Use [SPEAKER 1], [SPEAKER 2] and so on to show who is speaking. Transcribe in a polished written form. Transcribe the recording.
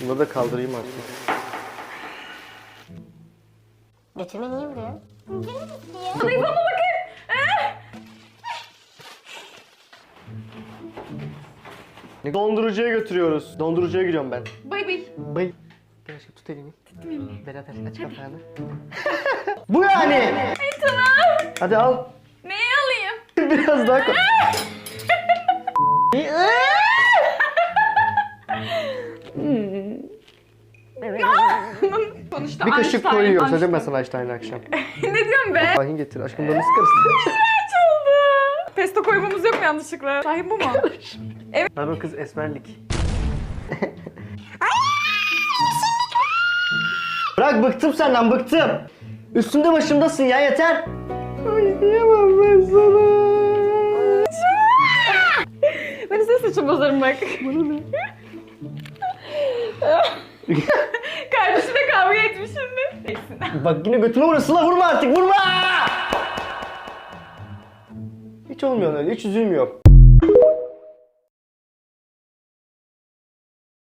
[SPEAKER 1] Bunları da kaldırayım artık.
[SPEAKER 2] Götüme niye vuruyor?
[SPEAKER 3] Zayıflama bakın.
[SPEAKER 1] Dondurucuya götürüyoruz. Dondurucuya gidiyorum ben.
[SPEAKER 3] Bay bay.
[SPEAKER 1] Bay. Gel aşkım tut elimi. Berat aç kapağını. Bu yani.
[SPEAKER 3] Tamam.
[SPEAKER 1] Hadi al.
[SPEAKER 3] Neyi alayım?
[SPEAKER 1] Biraz daha koy.
[SPEAKER 3] Sonuçta
[SPEAKER 1] Bir kaşık
[SPEAKER 3] Einstein,
[SPEAKER 1] koyuyoruz.
[SPEAKER 3] Einstein.
[SPEAKER 1] Hadi mesela Einstein akşam.
[SPEAKER 3] Ne diyorsun be?
[SPEAKER 1] Ahin getir. Aşkım da nasıl karıştı?
[SPEAKER 3] Kaç oldu? Pesto koymamız yok mu yanlışlıkla? Sahi bu mu?
[SPEAKER 1] Lan o kız esmerlik. Bırak bıktım senden bıktım. Üstümde başımdasın ya yeter. Ay diyemem ben sana.
[SPEAKER 3] Ben size saçım bozarım bak.
[SPEAKER 1] Bana ne?
[SPEAKER 3] Kardeşine kavga etmiş şimdi.
[SPEAKER 1] Bak yine götüme vurasın la vurma artık vurma. Hiç olmuyor öyle hiç üzülmüyor.